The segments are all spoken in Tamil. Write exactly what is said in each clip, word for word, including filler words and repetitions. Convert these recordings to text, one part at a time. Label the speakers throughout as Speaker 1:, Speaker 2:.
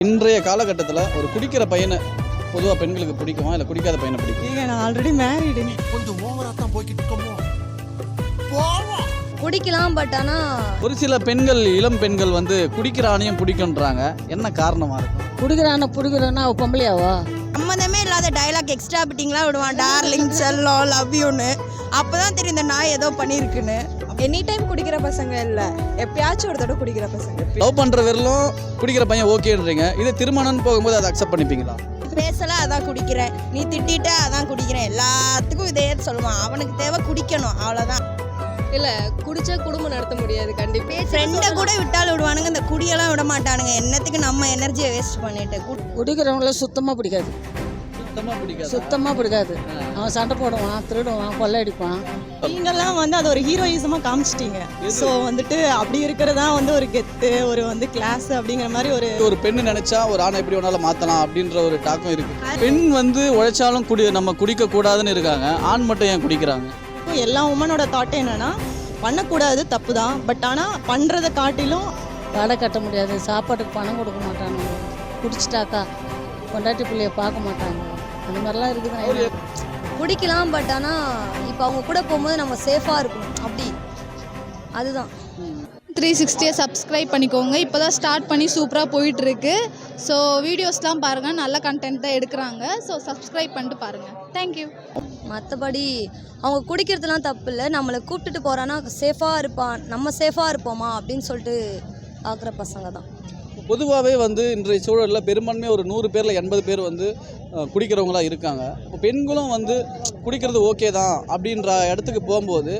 Speaker 1: இன்றைய காலகட்டத்தில் ஒரு குடிக்கிற பையனை பொதுவாக பெண்களுக்கு பிடிக்குமா இல்லை குடிக்காத பையனை பிடிக்கும்?
Speaker 2: ஏங்க நான் ஆல்ரெடி மேரிடு.
Speaker 3: கொஞ்சம் ஓவரா தான் போய்கிட்டு இருக்கோமோ. போவோம்.
Speaker 4: குடிக்கலாம், பட் ஆனால்
Speaker 1: ஒரு சில பெண்கள், இளம் பெண்கள் வந்து குடிக்கிற ஆணையும் பிடிக்குன்றாங்க. என்ன காரணமாக இருக்கும்?
Speaker 2: குடிக்கிறான பிடிக்கிறோன்னா அவள் பொம்பளையாவா?
Speaker 5: சம்மந்தமே இல்லாத டைலாக் எக்ஸ்ட்ரா பிட்டிங்லாம் விடுவான். டார்லிங், செல்லம், லவ் யூன்னு. அப்போ தான் தெரியும் இந்த நாய் ஏதோ பண்ணியிருக்குன்னு.
Speaker 6: எனி டைம் குடிக்கிற பசங்க இல்லை, எப்பயாச்சும் ஒரு தடவை குடிக்கிற பசங்க.
Speaker 1: லவ் பண்ணுற வரலும் குடிக்கிற பையன் ஓகேன்றீங்க. இது திருமணம்னு போகும்போது அதை அக்செப்ட் பண்ணிப்பீங்களா?
Speaker 5: பேசல அதான் குடிக்கிறேன், நீ திட்டிட்ட அதான் குடிக்கிறேன், எல்லாத்துக்கும் இதே சொல்லுவான். அவனுக்கு தேவை குடிக்கணும், அவ்வளோதான்.
Speaker 4: இல்லை, குடிச்சா குடும்பம் நடத்த முடியாது. கண்டிப்பாக
Speaker 5: ஃப்ரெண்டை கூட விட்டாலும் விடுவானுங்க, இந்த குடியெல்லாம் விட மாட்டானுங்க. என்னத்துக்கு நம்ம எனர்ஜியை வேஸ்ட் பண்ணிட்டு.
Speaker 2: குடிக்கிறவங்கள சுத்தமாக பிடிக்காது,
Speaker 1: சுத்தமாக பிடிக்காது.
Speaker 2: சுத்தமாக பிடிக்காது. அவன் சண்டை போடுவான், திருடுவான், கொள்ளையடிப்பான்.
Speaker 6: நீங்கெல்லாம் வந்து அது ஒரு ஹீரோயிசமாக காமிச்சிட்டீங்க. ஸோ வந்துட்டு அப்படி இருக்கிறதா வந்து ஒரு கெத்து, ஒரு வந்து கிளாஸ் அப்படிங்கிற மாதிரி ஒரு
Speaker 1: ஒரு பெண்ணு நினைச்சா ஒரு ஆணை எப்படி வேணாலும் மாற்றலாம் அப்படின்ற ஒரு டாக்கம் இருக்கு. பெண் வந்து உழைச்சாலும் குடி நம்ம குடிக்க கூடாதுன்னு இருக்காங்க. ஆண் மட்டும் ஏன் குடிக்கிறாங்க?
Speaker 6: எல்லா உமனோட தாட் என்னன்னா பண்ணக்கூடாது, தப்பு தான். பட் ஆனால் பண்ணுறதை காட்டிலும்
Speaker 2: கடை கட்ட முடியாது, சாப்பாட்டுக்கு பணம் கொடுக்க மாட்டாங்க, குடிச்சிட்டாக்கா பொண்டாட்டி பிள்ளைய பார்க்க மாட்டாங்க. அந்த மாதிரிலாம் இருக்குது.
Speaker 4: குடிக்கலாம், பட் ஆனால் இப்போ அவங்க கூட போகும்போது நம்ம சேஃபாக இருக்கணும். அப்படி அதுதான்.
Speaker 7: த்ரீ சிக்ஸ்டியை சப்ஸ்கிரைப் பண்ணிக்கோங்க. இப்போ தான் ஸ்டார்ட் பண்ணி சூப்பராக போயிட்டுருக்கு. ஸோ வீடியோஸ்லாம் பாருங்கள், நல்ல கண்டென்ட் தான் எடுக்கிறாங்க. ஸோ சப்ஸ்கிரைப் பண்ணிட்டு பாருங்கள். தேங்க்யூ.
Speaker 4: மற்றபடி அவங்க குடிக்கிறதுலாம் தப்பு இல்லை. நம்மளை கூப்பிட்டுட்டு போகிறான்னா சேஃபாக இருப்பான், நம்ம சேஃபாக இருப்போமா அப்படின்னு சொல்லிட்டு பார்க்குற பசங்க தான்.
Speaker 1: பொதுவாகவே வந்து இன்றைய சூழலில் பெரும்பான்மையாக ஒரு நூறு பேரில் எண்பது பேர் வந்து குடிக்கிறவங்களாக இருக்காங்க. இப்போ பெண்களும் வந்து குடிக்கிறது ஓகே தான் அப்படின்ற இடத்துக்கு போகும்போது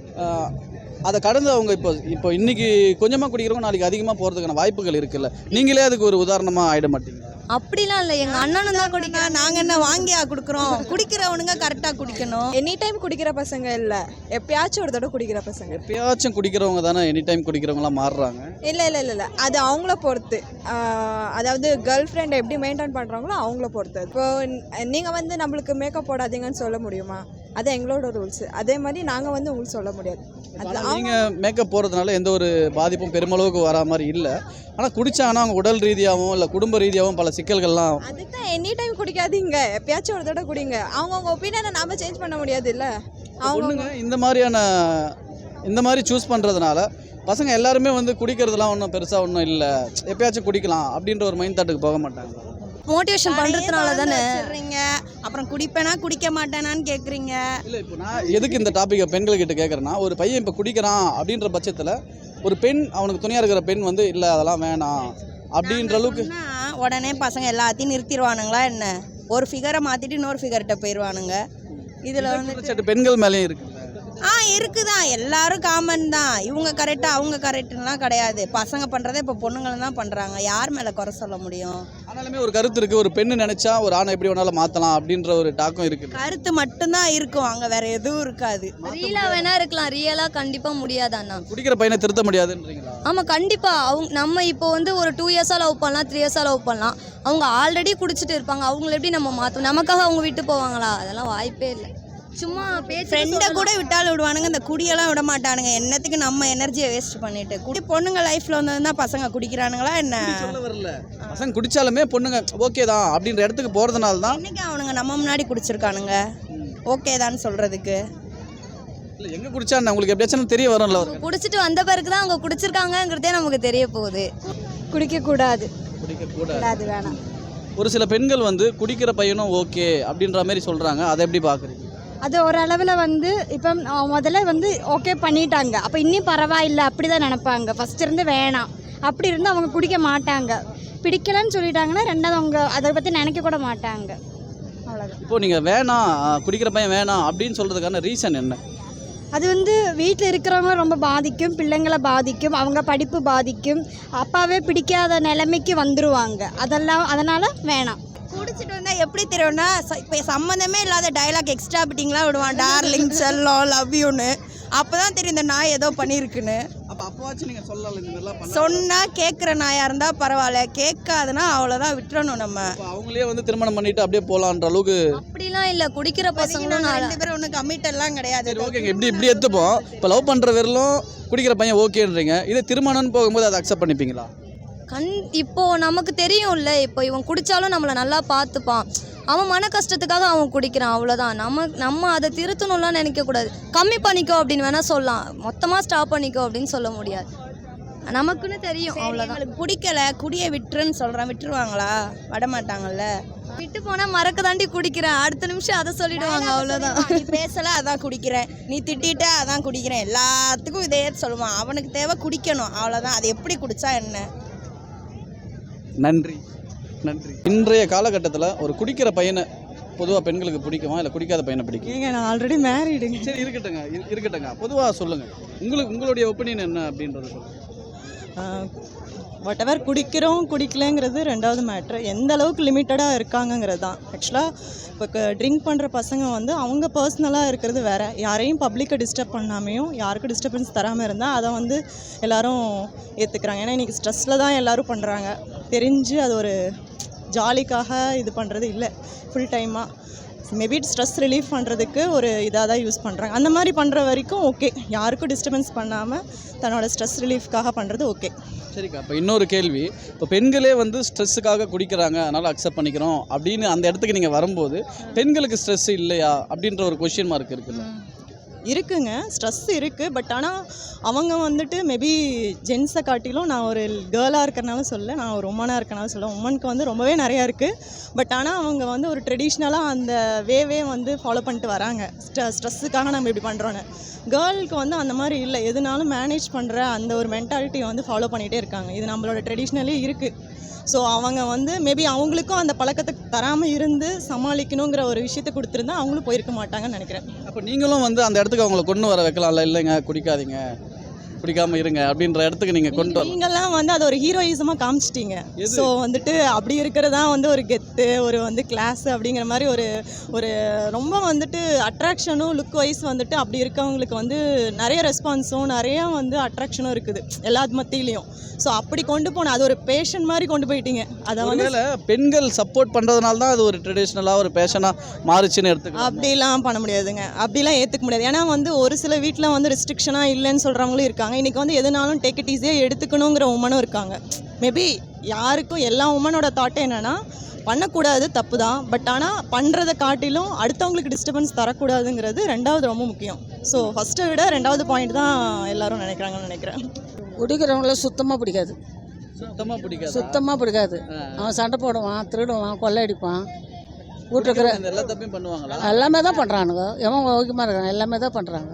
Speaker 1: அதை கடந்து அவங்க இப்போ இப்போ இன்றைக்கி கொஞ்சமாக குடிக்கிறவங்க நாளைக்கு அதிகமாக போகிறதுக்கான வாய்ப்புகள் இருக்குல்ல. நீங்களே அதுக்கு ஒரு உதாரணமாக ஆகிட மாட்டீங்க?
Speaker 4: அப்படிலாம் இல்லை, எங்கள் அண்ணனும் தான் குடிக்கிறேன்.
Speaker 5: நாங்கள் என்ன வாங்கியா கொடுக்குறோம்? குடிக்கிறவனுங்க கரெக்டாக குடிக்கணும்.
Speaker 6: எனி டைம் குடிக்கிற பசங்க இல்லை, எப்பயாச்சும் ஒரு தடவை குடிக்கிற பசங்க.
Speaker 1: எப்பயாச்சும் குடிக்கிறவங்க தானே எனி டைம் குடிக்கிறவங்களாம் மாறுறாங்க.
Speaker 6: இல்லை இல்லை இல்லை இல்லை அது அவங்கள பொறுத்து. ஆஹ் அதாவது கேர்ள் ஃப்ரெண்டை எப்படி மெயின்டைன் பண்ணுறாங்களோ அவங்கள பொறுத்து. இப்போ நீங்கள் வந்து நம்மளுக்கு மேக்கப் போடாதீங்கன்னு சொல்ல முடியுமா? அது எங்களோட ரூல்ஸ். அதே மாதிரி நாங்கள் வந்து உங்களுக்கு சொல்ல முடியாது. அது
Speaker 1: நீங்கள் மேக்கப் போகிறதுனால எந்த ஒரு பாதிப்பும் பெருமளவுக்கு வரா மாதிரி இல்லை. ஆனால் குடித்தாங்கன்னா அவங்க உடல் ரீதியாகவும் இல்லை குடும்ப ரீதியாகவும் பல சிக்கல்கள்லாம்.
Speaker 6: அதுதான் எனி டைம் குடிக்காதீங்க, எப்பயாச்சும் ஒரு தடவை குடிங்க. அவங்கவுங்க ஒப்பீனியனை நாம சேஞ்ச் பண்ண முடியாது இல்லை.
Speaker 1: அவங்க இந்த மாதிரியான இந்த மாதிரி சூஸ் பண்ணுறதுனால பசங்க எல்லாருமே வந்து குடிக்கிறதுலாம் ஒன்றும் பெருசாக ஒன்றும் இல்லை, எப்பயாச்சும் குடிக்கலாம் அப்படின்ற ஒரு மைண்ட் தாட்டுக்கு போக மாட்டாங்க.
Speaker 4: மோட்டிவேஷன் பண்ணுறதுனால தானே.
Speaker 5: அப்புறம் குடிப்பேனா குடிக்க மாட்டேனான்னு கேட்குறீங்க.
Speaker 1: இல்லை, இப்போ நான் எதுக்கு இந்த டாப்பிக்கை பெண்கள்கிட்ட கேட்குறேன்னா, ஒரு பையன் இப்போ குடிக்கிறான் அப்படின்ற பட்சத்தில் ஒரு பெண், அவனுக்கு துணையாக இருக்கிற பெண் வந்து இல்லை அதெல்லாம் வேணாம் அப்படின்ற அளவுக்கு
Speaker 5: உடனே பசங்க எல்லாத்தையும் நிறுத்திடுவானுங்களா என்ன? ஒரு ஃபிகரை மாற்றிட்டு இன்னொரு ஃபிகர்கிட்ட போயிடுவானுங்க. இதில் வந்து
Speaker 1: பெண்கள் மேலேயும் இருக்குது.
Speaker 5: ஆ இருக்குதான், எல்லாரும் காமன் தான். இவங்க கரெக்டாக அவங்க கரெக்டுலாம் கிடையாது. பசங்க பண்ணுறதை இப்போ பொண்ணுங்களும் தான் பண்ணுறாங்க. யார் மேலே குறை சொல்ல முடியும்?
Speaker 1: ஆனாலுமே ஒரு கருத்து இருக்குது, ஒரு பெண்ணு நினச்சா ஒரு ஆணை எப்படி வேணாலும் மாற்றலாம் அப்படின்ற ஒரு டாக்கம் இருக்குது.
Speaker 5: கருத்து மட்டும்தான் இருக்கும், அங்கே வேற எதுவும் இருக்காது.
Speaker 4: ரியலாக வேணா இருக்கலாம், ரியலாக கண்டிப்பாக முடியாது. அண்ணா
Speaker 1: குடிக்கிற பையனை திருத்த முடியாதுன்றீங்களா?
Speaker 4: ஆமாம், கண்டிப்பாக. அவங்க நம்ம இப்போ வந்து ஒரு டூ இயர்ஸாக லவ் பண்ணலாம், த்ரீ இயர்ஸாக லவ் பண்ணலாம். அவங்க ஆல்ரெடி குடிச்சிட்டு இருப்பாங்க, அவங்கள எப்படி நம்ம மாற்றணும்? நமக்காக அவங்க விட்டு போவாங்களா? அதெல்லாம் வாய்ப்பே இல்லை. சும்மா பேச்சு.
Speaker 5: ஃப்ரெண்டை கூட விட்டாலும் விடுவானுங்க, இந்த குடியெல்லாம் விட மாட்டானுங்க. என்னத்துக்கு நம்ம எனர்ஜியை வேஸ்ட் பண்ணிட்டு. குடி பொண்ணுங்க லைஃப்ல வந்து தான் பசங்க குடிக்கிறானுங்களா என்ன?
Speaker 1: வரல, பசங்க குடிச்சாலுமே பொண்ணுங்க ஓகே தான் அப்படின்ற இடத்துக்கு போறதுனால தான்
Speaker 5: இன்னைக்கு அவனுங்க நம்ம முன்னாடி குடிச்சிருக்கானுங்க ஓகே தான் சொல்றதுக்கு.
Speaker 1: இல்லை, எங்கே குடிச்சா உங்களுக்கு எப்படியாச்சும் தெரிய வரும்ல.
Speaker 4: குடிச்சிட்டு வந்த பிறகு தான் அவங்க குடிச்சிருக்காங்கிறதே நமக்கு தெரிய போகுது.
Speaker 6: குடிக்கக்கூடாது,
Speaker 1: குடிக்கக்கூடாது,
Speaker 6: வேணாம்.
Speaker 1: ஒரு சில பெண்கள் வந்து குடிக்கிற பையனும் ஓகே அப்படின்ற மாதிரி சொல்கிறாங்க. அதை எப்படி பார்க்குறீங்க?
Speaker 8: அது ஒரு அளவில் வந்து இப்போ முதல்ல வந்து ஓகே பண்ணிட்டாங்க, அப்போ இன்னும் பரவாயில்லை அப்படி தான் நினைப்பாங்க. ஃபஸ்ட் இருந்து வேணாம் அப்படி இருந்து அவங்க குடிக்க மாட்டாங்க. பிடிக்கலன்னு சொல்லிட்டாங்கன்னா ரெண்டாவது அவங்க அதை பற்றி நினைக்க கூட மாட்டாங்க. அவ்வளோதான்.
Speaker 1: இப்போ நீங்கள் வேணாம், குடிக்கிற பையன் வேணாம் அப்படின்னு சொல்கிறதுக்கான ரீசன் என்ன?
Speaker 8: அது வந்து வீட்டில் இருக்கிறவங்க ரொம்ப பாதிக்கும், பிள்ளைங்களை பாதிக்கும், அவங்க படிப்பு பாதிக்கும், அப்பாவே பிடிக்காத நிலைமைக்கு வந்துடுவாங்க. அதெல்லாம் அதனால் வேணாம்.
Speaker 5: குடிச்சிட்டு வந்தால் எப்படி தெரியும்னா, இப்போ சம்மந்தமே இல்லாத டைலாக் எக்ஸ்ட்ரா பிட்டிங்லாம் விடுவான். டார்லிங், செல்லம், லவ் யூன்னு. அப்போ தான் தெரியும் இந்த நாய் ஏதோ பண்ணியிருக்குன்னு.
Speaker 1: அப்போ அப்போவாச்சும் நீங்கள் சொல்லலாம், இந்த மாதிரிலாம் பண்ண.
Speaker 5: சொன்னால் கேட்குற நாயாக இருந்தால் பரவாயில்ல, கேட்காதுன்னா அவ்வளோதான், விட்டுறணும் நம்ம.
Speaker 1: அவங்களே வந்து திருமணம் பண்ணிட்டு அப்படியே போகலான்ற அளவுக்கு
Speaker 4: அப்படிலாம் இல்லை. குடிக்கிற பசங்களும்
Speaker 5: ரெண்டு பேரும் ஒன்றும் கமிட் எல்லாம் கிடையாது.
Speaker 1: ஓகேங்க, இப்படி இப்படி எடுத்துப்போம். இப்போ லவ் பண்ணுற வரலும் குடிக்கிற பையன் ஓகேன்றீங்க. இதே திருமணம்னு போகும்போது அதை அக்செப்ட் பண்ணிப்பீங்களா?
Speaker 4: கண் இப்போது நமக்கு தெரியும்ல, இப்போ இவன் குடித்தாலும் நம்மளை நல்லா பார்த்துப்பான், அவன் மன கஷ்டத்துக்காக அவன் குடிக்கிறான், அவ்வளோதான். நம்ம நம்ம அதை திருத்தணும்லாம் நினைக்கக்கூடாது. கம்மி பண்ணிக்கோ அப்படின்னு வேணால் சொல்லலாம், மொத்தமாக ஸ்டாப் பண்ணிக்கோ அப்படின்னு சொல்ல முடியாது. நமக்குன்னு தெரியும், அவ்வளோதான்.
Speaker 5: அவங்களுக்கு பிடிக்கல குடியை விட்டுருன்னு சொல்கிறேன், விட்டுருவாங்களா? விட மாட்டாங்கல்ல.
Speaker 4: விட்டு போனால் மறக்க தாண்டி குடிக்கிறேன், அடுத்த நிமிஷம் அதை சொல்லிடுவாங்க, அவ்வளோதான்.
Speaker 5: நீ பேசல அதான் குடிக்கிறேன், நீ திட்டிட்ட அதான் குடிக்கிறேன், எல்லாத்துக்கும் இதே சொல்லுவான். அவனுக்கு தேவை குடிக்கணும், அவ்வளோதான். அது எப்படி குடிச்சா என்ன?
Speaker 1: நன்றி நன்றி. இன்றைய காலகட்டத்தில் ஒரு குடிக்கிற பையனை பொதுவாக பெண்களுக்கு பிடிக்குமா இல்லை குடிக்காத பையனை பிடிக்கும்?
Speaker 6: ஏங்க நான் ஆல்ரெடி மேரீடுங்க.
Speaker 1: சரி இருக்கட்டுங்க, இரு- இருக்கட்டுங்க. பொதுவாக சொல்லுங்கள், உங்களுக்கு உங்களுடைய ஒப்பீனியன் என்ன அப்படின்றத சொல்லுங்கள்.
Speaker 6: வாட் எவர் குடிக்கிறோம் குடிக்கலங்கிறது ரெண்டாவது மேட்ரு, எந்த அளவுக்கு லிமிட்டடாக இருக்காங்கங்கிறது தான். ஆக்சுவலாக இப்போ ட்ரிங்க் பண்ணுற பசங்க வந்து அவங்க பர்சனலாக இருக்கிறது வேறு, யாரையும் பப்ளிக்கை டிஸ்டர்ப் பண்ணாமையும் யாருக்கும் டிஸ்டர்பன்ஸ் தராமல் இருந்தால் அதை வந்து எல்லோரும் ஏற்றுக்கிறாங்க. ஏன்னா இன்றைக்கி ஸ்ட்ரெஸ்ஸில் தான் எல்லோரும் பண்ணுறாங்க, தெரிஞ்சு அது ஒரு ஜாலிக்காக இது பண்ணுறது இல்லை, ஃபுல் டைமாக மேபி ஸ்ட்ரெஸ் ரிலீஃப் பண்ணுறதுக்கு ஒரு இதாக தான் யூஸ் பண்ணுறாங்க. அந்த மாதிரி பண்ணுற வரைக்கும் ஓகே, யாருக்கும் டிஸ்டர்பன்ஸ் பண்ணாமல் தன்னோட ஸ்ட்ரெஸ் ரிலீஃப்காக பண்ணுறது ஓகே.
Speaker 1: சரிக்கா, இப்போ இன்னொரு கேள்வி, இப்போ பெண்களே வந்து ஸ்ட்ரெஸ்ஸுக்காக குடிக்கிறாங்க அதனால் அக்செப்ட் பண்ணிக்கிறோம் அப்படின்னு அந்த இடத்துக்கு நீங்கள் வரும்போது பெண்களுக்கு ஸ்ட்ரெஸ் இல்லையா அப்படின்ற ஒரு கொஸ்டின் மார்க் இருக்குல்ல?
Speaker 6: இருக்குங்க, ஸ்ட்ரெஸ் இருக்குது. பட் ஆனால் அவங்க வந்துட்டு மேபி ஜென்ஸை காட்டிலும், நான் ஒரு கேர்ளாக இருக்கிறனால சொல்ல, நான் ஒரு உமனாக இருக்கனால சொல்ல, உமனுக்கு வந்து ரொம்பவே நிறையா இருக்குது. பட் ஆனால் அவங்க வந்து ஒரு ட்ரெடிஷ்னலாக அந்த வேவே வந்து ஃபாலோ பண்ணிட்டு வராங்க, ஸ்ட்ரெ ஸ்ட்ரெஸ்ஸுக்காக நம்ம இப்படி பண்ணுறோன்னு. கேர்ளுக்கு வந்து அந்த மாதிரி இல்லை, எதுனாலும் மேனேஜ் பண்ணுற அந்த ஒரு மென்டாலிட்டியை வந்து ஃபாலோ பண்ணிகிட்டே இருக்காங்க. இது நம்மளோட ட்ரெடிஷ்னலே இருக்குது. ஸோ அவங்க வந்து மேபி அவங்களுக்கும் அந்த பழக்கத்தை தராமல் இருந்து சமாளிக்கணுங்கிற ஒரு விஷயத்தை கொடுத்துருந்தா அவங்களும் போயிருக்க மாட்டாங்கன்னு நினைக்கிறேன்.
Speaker 1: அப்போ நீங்களும் வந்து அந்த இடத்துக்கு அவங்கள கொண்டு வர வைக்கலாம்ல, இல்லைங்க குடிக்காதீங்க குடிக்காமல் இருங்க அப்படின்ற இடத்துக்கு நீங்கள் கொண்டு வர.
Speaker 6: நீங்கள்லாம் வந்து அதை ஒரு ஹீரோயிசமாக காமிச்சிட்டீங்க. ஸோ வந்துட்டு அப்படி இருக்கிறதா வந்து ஒரு கெத்து, ஒரு வந்து கிளாஸ் அப்படிங்கிற மாதிரி ஒரு ஒரு ரொம்ப வந்துட்டு அட்ராக்ஷனும் லுக் வைஸ் வந்துட்டு அப்படி இருக்கவங்களுக்கு வந்து நிறைய ரெஸ்பான்ஸும் நிறைய வந்து அட்ராக்ஷனும் இருக்குது எல்லா மத்தியிலையும். ஸோ அப்படி கொண்டு போன அது ஒரு பேஷன் மாதிரி கொண்டு போயிட்டீங்க. அதை வந்து
Speaker 1: பெண்கள் சப்போர்ட் பண்ணுறதுனால தான் அது ஒரு ட்ரெடிஷ்னலாக ஒரு பேஷனாக மாறுச்சுன்னு எடுத்துக்கலாம்.
Speaker 6: அப்படிலாம் பண்ண முடியாதுங்க, அப்படிலாம் ஏற்றுக்க முடியாது. ஏன்னா வந்து ஒரு சில வீட்டில் வந்து ரெஸ்ட்ரிக்ஷனாக இல்லைன்னு சொல்கிறவங்களும் இருக்காங்க. இன்றைக்கி வந்து எதுனாலும் டேக் இட் ஈஸியாக எடுத்துக்கணுங்கிற உமனும் இருக்காங்க. மேபி யாருக்கும் எல்லா உமனோட தாட்டே என்னென்னா பண்ணக்கூடாது, தப்பு தான். பட் ஆனால் பண்ணுறதை காட்டிலும் அடுத்தவங்களுக்கு டிஸ்டர்பன்ஸ் தரக்கூடாதுங்கிறது ரெண்டாவது ரொம்ப முக்கியம். ஸோ ஃபஸ்ட்டை விட ரெண்டாவது பாயிண்ட் தான் எல்லாரும் நினைக்கிறாங்கன்னு நினைக்கிறேன்.
Speaker 2: குடிக்கிறவங்கள சுத்தமாக பிடிக்காது,
Speaker 1: சுத்தமாக பிடிக்காது.
Speaker 2: சுத்தமாக பிடிக்காது. அவன் சண்டை போடுவான், திருடுவான், கொள்ளையடிப்பான், வீட்டுக்கிற
Speaker 1: எல்லா தப்பையும் பண்ணுவாங்களா?
Speaker 2: எல்லாமே தான் பண்ணுறானுங்க. எவன் ஓகேமா இருக்காங்க, எல்லாமே தான் பண்ணுறாங்க.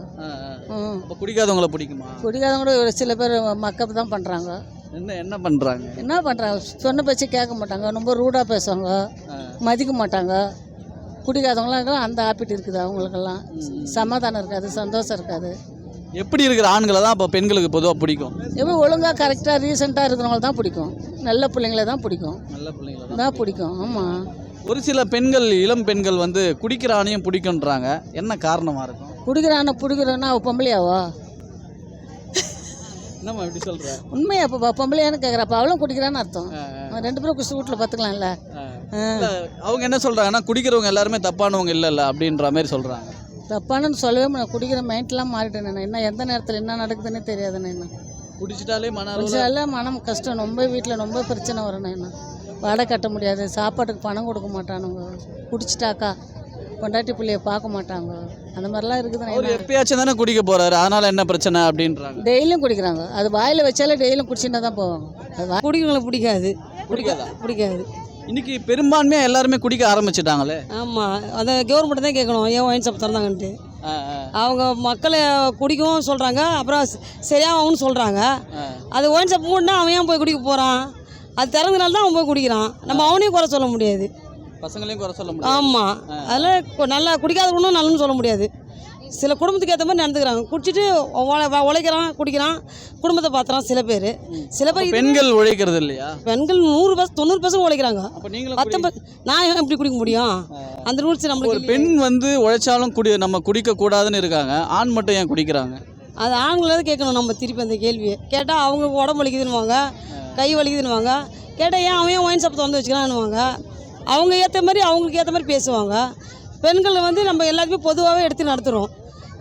Speaker 2: ம்
Speaker 1: அப்போ குடிக்காதவங்கள பிடிக்குமா?
Speaker 2: குடிக்காதவங்க ஒரு சில பேர் மக்கப் தான் பண்ணுறாங்க.
Speaker 1: என்ன என்ன பண்ணுறாங்க?
Speaker 2: என்ன பண்ணுறாங்க, சொன்ன பேச்சு கேட்க மாட்டாங்க, ரொம்ப ரூடாக பேசுவாங்க, மதிக்க மாட்டாங்க. குடிக்காதவங்களாம் அந்த ஹாபிட் இருக்குது அவங்களுக்கெல்லாம். சமாதானம் இருக்காது, சந்தோஷம் இருக்காது.
Speaker 1: எப்படி இருக்கிற ஆண்களை தான் இப்போ பெண்களுக்கு பொதுவாக பிடிக்கும்?
Speaker 2: எப்போ ஒழுங்காக கரெக்டாக ரீசெண்டாக இருக்கிறவங்கள தான் பிடிக்கும், நல்ல பிள்ளைங்கள தான் பிடிக்கும்,
Speaker 1: நல்ல பிள்ளைங்கள
Speaker 2: தான் பிடிக்கும். ஆமாம்,
Speaker 1: ஒரு சில பெண்கள், இளம் பெண்கள் வந்து குடிக்கிற ஆணையும் பிடிக்குன்றாங்க, என்ன காரணமாக இருக்கும்?
Speaker 2: குடிக்கிறான பிடிக்கிறோன்னா அவள் பொம்பளையாவோ?
Speaker 1: என்னம்மா எப்படி சொல்கிற?
Speaker 2: உண்மையா இப்போ பொம்பளையான்னு கேட்குறப்ப அவளும் குடிக்கிறான்னு அர்த்தம். ரெண்டு பேரும் குடிச்சு வீட்டில் பார்த்துக்கலாம்ல.
Speaker 1: அவங்க என்ன சொல்கிறாங்கன்னா குடிக்கிறவங்க எல்லாருமே தப்பானவங்க இல்லைல்ல அப்படின்ற மாதிரி சொல்கிறாங்க.
Speaker 2: தப்பானு சொல்லவே முடியாது, குடிக்கிற மைண்ட்லாம் மாறிட்டேன் நான். என்ன எந்த நேரத்தில் என்ன நடக்குதுன்னே தெரியாதுண்ணே. என்ன
Speaker 1: குடிச்சிட்டாலே மன
Speaker 2: குடிச்சாலே மனம் கஷ்டம், ரொம்ப வீட்டில் ரொம்ப பிரச்சனை வரணும். என்ன வாடகை கட்ட முடியாது, சாப்பாட்டுக்கு பணம் கொடுக்க மாட்டானுங்க, குடிச்சிட்டாக்கா பொண்டாட்டி பிள்ளைய பார்க்க மாட்டாங்க, அந்த மாதிரிலாம் இருக்குது.
Speaker 1: ஒரு எப்பயாச்சும் தானே குடிக்க போகிறாரு, அதனால் என்ன பிரச்சனை அப்படின்றாங்க.
Speaker 2: டெய்லியும் குடிக்கிறாங்க, அது வாயில் வச்சாலே டெய்லியும் குடிச்சுட்டு தான் போவாங்க. அது
Speaker 9: குடிக்கிறவங்களை பிடிக்காது,
Speaker 1: குடிக்காதா?
Speaker 9: பிடிக்காது.
Speaker 1: இன்னைக்கு பெரும்பான்மையாக எல்லாருமே குடிக்க ஆரம்பிச்சிட்டாங்களே.
Speaker 9: ஆமாம், அதை கவர்மெண்ட் தான் கேட்கணும், ஏன் ஒயின் ஷாப் திறந்தாங்கன்ட்டு. அவங்க மக்களை குடிக்கவும் சொல்கிறாங்க, அப்புறம் சரியாகும்னு சொல்கிறாங்க. அது ஒயின் ஷாப் மூடினா அவன் ஏன் போய் குடிக்க போகிறான்? அது திறந்தனால தான் அவன் போய் குடிக்கிறான். நம்ம அவனையும் குறை சொல்ல முடியாது,
Speaker 1: பசங்களையும் குறை சொல்ல முடியாது.
Speaker 9: ஆமாம், அதில் நல்லா குடிக்காதவனும் நல்லன்னு சொல்ல முடியாது. சில குடும்பத்துக்கு ஏற்ற மாதிரி நடந்துக்கிறாங்க, குடிச்சிட்டு உழைக்கிறான், குடிக்கிறான், குடும்பத்தை பார்த்துறான் சில பேர். சில பேர்
Speaker 1: பெண்கள் உழைக்கிறது இல்லையா?
Speaker 9: பெண்கள் நூறு பர்சன்ட் தொண்ணூறு பர்சன்ட் உழைக்கிறாங்க. பத்தொன்பது நான் எப்படி குடிக்க முடியும்? அந்த ரூல்ஸ் நம்மளுக்கு.
Speaker 1: ஒரு பெண் வந்து உழைச்சாலும் குடி நம்ம குடிக்க கூடாதுன்னு இருக்காங்க, ஆண் மட்டும் ஏன் குடிக்கிறாங்க?
Speaker 9: அது ஆண்களாவது கேட்கணும் நம்ம திருப்பி அந்த கேள்வியை. கேட்டால் அவங்க உடம்பு வலிக்குதுன்னுவாங்க, கை வலிக்குதுன்னுவாங்க. கேட்டால் ஏன் அவன் ஒயின் ஷாப் திறந்து வச்சுக்கிறான்னுவாங்க. அவங்க ஏற்ற மாதிரி அவங்களுக்கு ஏற்ற மாதிரி பேசுவாங்க. பெண்கள் வந்து நம்ம எல்லாத்தையுமே பொதுவாகவே எடுத்து நடத்துகிறோம்.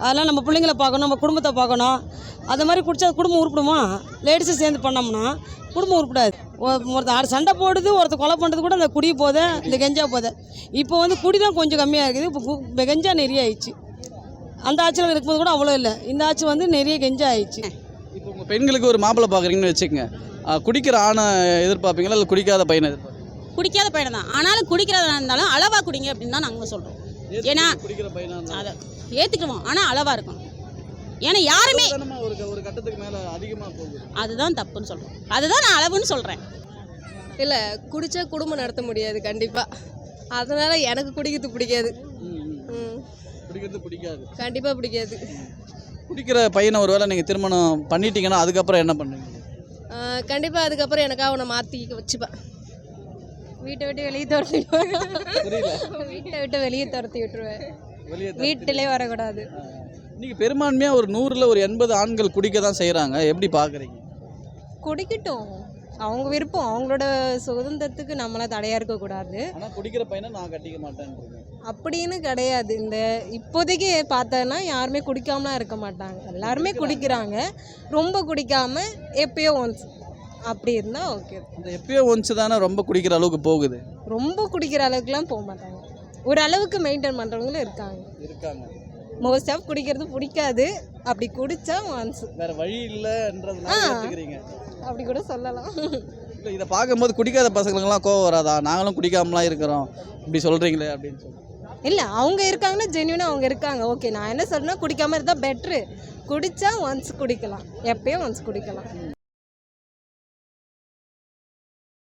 Speaker 9: அதெல்லாம் நம்ம பிள்ளைங்கள பார்க்கணும், நம்ம குடும்பத்தை பார்க்கணும். அது மாதிரி குடித்தா குடும்பம் உருப்பிடுமா? லேடிஸும் சேர்ந்து பண்ணோம்னா குடும்பம் உருப்பிடாது. ஒருத்தர் ஆறு சண்டை போடுது, ஒருத்தர் கொலை பண்ணுறது கூட அந்த குடி போதை, இந்த கெஞ்சா போதை. இப்போ வந்து குடி தான் கொஞ்சம் கம்மியாக இருக்குது, இப்போ கெஞ்சா நிறைய ஆயிடுச்சு. அந்த ஆட்சியில் இருக்கும்போது கூட அவ்வளோ இல்லை, இந்த ஆட்சி வந்து நிறைய கெஞ்சா ஆயிடுச்சு.
Speaker 1: இப்போ உங்கள் பெண்களுக்கு ஒரு மாப்பிள்ளை பார்க்குறீங்கன்னு வச்சுக்கோங்க, குடிக்கிற ஆணை எதிர்பார்ப்பீங்களா இல்லை குடிக்காத பையனை எதிர்பார்ப்பீங்க?
Speaker 10: குடிக்காத பையனை தான். ஆனாலும் குடிக்கிறதா இருந்தாலும் அளவாக குடிங்க அப்படின்னு தான் நாங்கள் சொல்கிறோம். ஏன்னா
Speaker 1: குடிக்கிற பையனா
Speaker 10: அதை ஏற்றுக்குவோம், ஆனால் அளவாக இருக்கணும். ஏன்னா யாருமே
Speaker 1: ஒரு ஒரு கட்டத்துக்கு மேலே அதிகமாக போகுது,
Speaker 10: அதுதான் தப்புன்னு சொல்கிறோம். அதுதான் நான் அளவுன்னு சொல்கிறேன்.
Speaker 11: இல்லை, குடித்தா குடும்பம் நடத்த முடியாது கண்டிப்பாக. அதனால் எனக்கு குடிக்கிறது பிடிக்காது. ம்,
Speaker 1: குடிக்கிறது பிடிக்காது,
Speaker 11: கண்டிப்பாக பிடிக்காது.
Speaker 1: குடிக்கிற பையனை ஒரு வேளை நீங்கள் திருமணம் பண்ணிட்டீங்கன்னா அதுக்கப்புறம் என்ன பண்ணுவீங்க?
Speaker 11: கண்டிப்பாக அதுக்கப்புறம் எனக்காக அவனை மாற்றி வச்சுப்பேன். வீட்டை விட்டு வெளியே துரத்திடுவேன். வீட்டை விட்டு வெளியே துரத்தி விட்டுருவேன். வீட்டிலே வரக்கூடாது.
Speaker 1: இன்னைக்கு பெரும்பான்மையாக ஒரு நூறில் ஒரு எண்பது ஆண்கள் குடிக்க தான் செய்கிறாங்க, எப்படி பார்க்குறீங்க?
Speaker 11: குடிக்கட்டும், அவங்க விருப்பம், அவங்களோட சுதந்திரத்துக்கு நம்மள தடையாக இருக்கக்கூடாது.
Speaker 1: ஆனால் குடிக்கிற பையனை நான் கட்டிக்க மாட்டேன்
Speaker 11: அப்படின்னு கிடையாது. இந்த இப்போதைக்கு பார்த்தோன்னா யாருமே குடிக்காமலாம் இருக்க மாட்டாங்க, எல்லாருமே குடிக்கிறாங்க. ரொம்ப குடிக்காம எப்பயோ ஒன்ஸ் அப்படி இருந்தால் ஓகே.
Speaker 1: அந்த எப்பயோ ஒன்ஸ் தானே ரொம்ப குடிக்கிற அளவுக்கு போகுது.
Speaker 11: ரொம்ப குடிக்கிற அளவுக்குலாம் போக மாட்டாங்க, ஒரு அளவுக்கு மெயின்டைன் பண்ணுறவங்களும் இருக்காங்க
Speaker 1: இருக்காங்க
Speaker 11: மோஸ்ட் ஆஃப் குடிக்கிறது பிடிக்காது, அப்படி குடித்தா ஒன்ஸ்
Speaker 1: வேறு வழி இல்லைன்றதுனால எடுத்துக்கிறீங்க,
Speaker 11: அப்படி கூட சொல்லலாம்.
Speaker 1: இல்லை இதை பார்க்கும்போது குடிக்காத பசங்களுக்கெல்லாம் கோவம் வராதா? நாங்களும் குடிக்காமலாம் இருக்கிறோம் இப்படி சொல்கிறீங்களே அப்படின்னு சொல்லி.
Speaker 11: இல்லை, அவங்க இருக்காங்கன்னா ஜென்யூனாக அவங்க இருக்காங்க. ஓகே, நான் என்ன சொல்றேன்னா குடிக்காமல் இருந்தால் பெட்ரு. குடித்தா ஒன்ஸ் குடிக்கலாம், எப்பயும் ஒன்ஸ் குடிக்கலாம்.